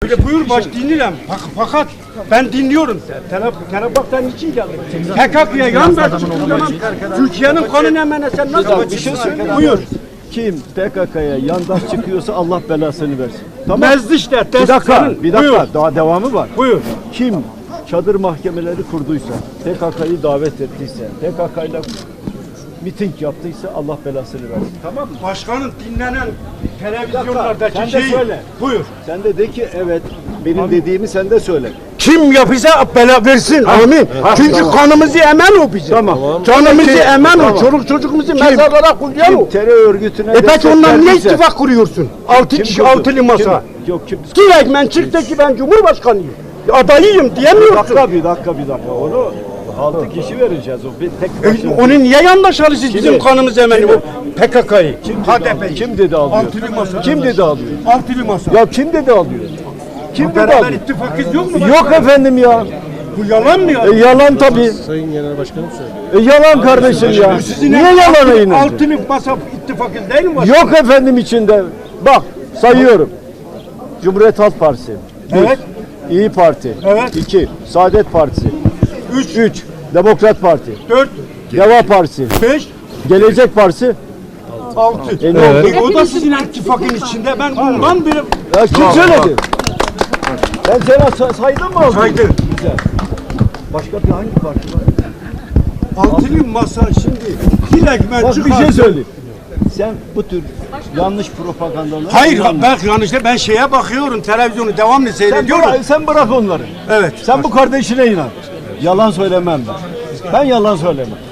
Öyle buyur baş dinleyelim. Fakat ben dinliyorum. Karabak'tan için geldim. PKK'ya yan ver çıktığı zaman Türkiye'nin kanunu emene sen nasıl Bir şey söyleyeyim. Buyur. Kim PKK'ya yandaş çıkıyorsa Allah belasını versin. Tamam. Mezdişler, Bir dakika, senin. bir dakika. Buyur. Daha devamı var. Buyur. Kim çadır mahkemeleri kurduysa, PKK'yı davet ettiyse, PKK'yla miting yaptıysa Allah belasını versin. Tamam mı? Başkanın dinlenen televizyonlardaki Sen de şeyi. söyle. Buyur. Sen de de ki evet, benim dediğimi sen de söyle. Kim yapıysa bela versin. Amin. Çünkü tamam. kanımızı emen o bizim. Tamam. Canımızı Peki, emen tamam. o. Çoluk çocuğumuzu mezarlara koyuyor Kim o. terör örgütüne Peki ondan niye verdiyse- ittifak kuruyorsun? Altı Kim kişi, kurdu? altılı masa. Yok kim? Direkt ben çıktı ki ben Cumhurbaşkanıyım. Adayıyım Bir diyemiyorsun. dakika. Onu 6 kişi vereceğiz o. Bir tek başına. Onu niye yandaş alıyorsunuz Kimi? bizim kanımız emeni bu PKK'yı? HDP. Kim dedi alıyor? Altılı masa. Kim dedi alıyor? Altılı masa. Ya kim dedi alıyor? Kim dedi Beraber alıyor? ittifakız yok mu? Yok efendim ya. Bu yalan mı ya? Yalan tabii. Sayın Genel Başkanım söylüyor. Yalan kardeşim ya. Niye yalana inandı? Altılı masa ittifakız değil mi? Yok efendim içinde. Bak sayıyorum. Cumhuriyet Halk Partisi. Bir. Evet. İyi Parti. Evet. 2. Saadet Partisi. 3, Demokrat Parti. 4, Deva Partisi. 5, Gelecek Partisi. 6. Ne oldu? O da sizin ittifakın içinde. Ben bundan biri Ya kim söyledi? Ben sana saydım mı? saydım. Güzel. Başka bir hangi parti var? Altılı masa şimdi direkt ben Bak bir şey çıkardım. söyleyeyim. Sen bu tür yanlış propagandaları... Hayır bak yanlışta ben şeye bakıyorum televizyonu devamlı seyrediyorum. Sen bırak onları. Evet. Sen bu kardeşine inan. Yalan söylemem ben. Ben yalan söylemem.